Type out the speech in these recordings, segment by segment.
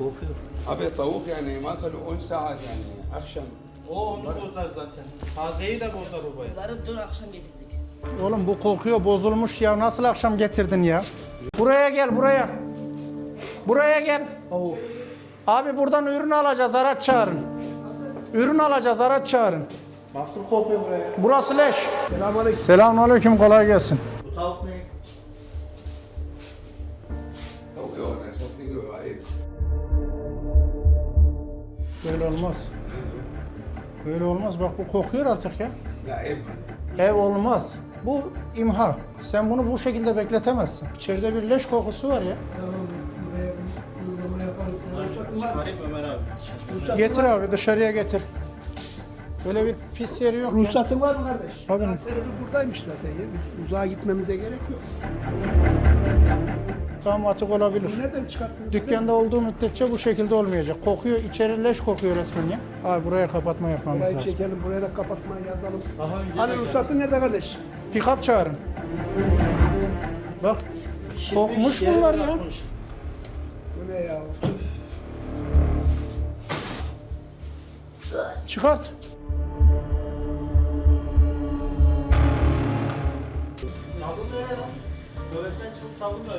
Kokuyor. Abi tavuk yani mesela 10 saat yani akşam. O onu bozar zaten. Tazeyi de bozar o bayağı. Bunları dün akşam getirdik. Oğlum bu kokuyor, bozulmuş ya. Nasıl akşam getirdin ya? Buraya gel, buraya. Buraya gel. Of. Abi buradan ürün alacağız, araç çağırın. Ürün alacağız, araç çağırın. Nasıl kokuyor buraya? Burası leş. Selamünaleyküm, kolay gelsin. Bu tavuk ne? Tavuk yok yani satın yok ayıp. Böyle olmaz. Böyle olmaz. Bak bu kokuyor artık ya. Ya ev hadi. Ev olmaz. Bu imha. Sen bunu bu şekilde bekletemezsin. İçeride bir leş kokusu var ya. Çıkarayım Ömer abi. Getir abi, dışarıya getir. Böyle bir pis yeri yok ya. Ruhsatın var mı kardeş? Tabii. Terörü buradaymış zaten ya. Uzağa gitmemize gerek yok. Tam atık olabilir. Bu nereden çıkarttınız? Dükkanda olduğu müddetçe bu şekilde olmayacak. Kokuyor, içeri leş kokuyor resmen ya. Abi buraya kapatma yapmamız Burayı lazım. çekelim, buraya da kapatmayı yazalım. Daha önce Hani ruhsatın nerede kardeş? Pick-up çağırın. Bak, kokmuş bunlar ya. Bu ne ya? Çıkart. Savun ya. Dövesen çıkıp savun da.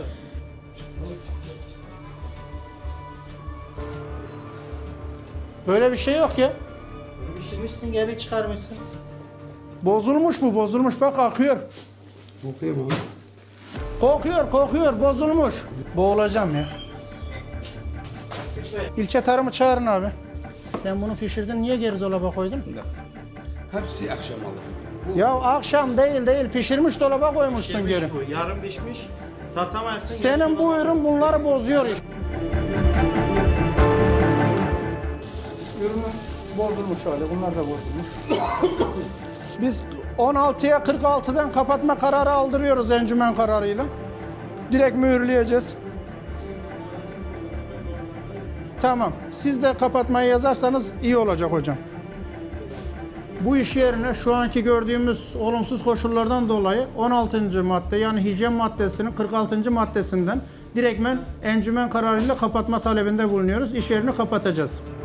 Böyle bir şey yok ya. Pişirmişsin geri çıkarmışsın. Bozulmuş bu, bozulmuş. Bak akıyor. Kokuyor mu? Kokuyor, kokuyor. Bozulmuş. Boğulacağım ya. İlçe tarımı çağırın abi. Sen bunu pişirdin, niye geri dolaba koydun? Hepsi akşam alır. Ya akşam değil, pişirmiş dolaba koymuşsun geri. Bu yarım pişmiş. Satamazsın. Senin bu ürün bunları bozuyor işte. Ürünü bozulmuş hali, bunlar da bozulmuş. Biz 16'ya 46'dan kapatma kararı aldırıyoruz encümen kararıyla. Direkt mühürleyeceğiz. Tamam, siz de kapatmayı yazarsanız iyi olacak hocam. Bu iş yerine şu anki gördüğümüz olumsuz koşullardan dolayı 16. madde yani hijyen maddesinin 46. maddesinden direktmen encümen kararıyla kapatma talebinde bulunuyoruz. İş yerini kapatacağız.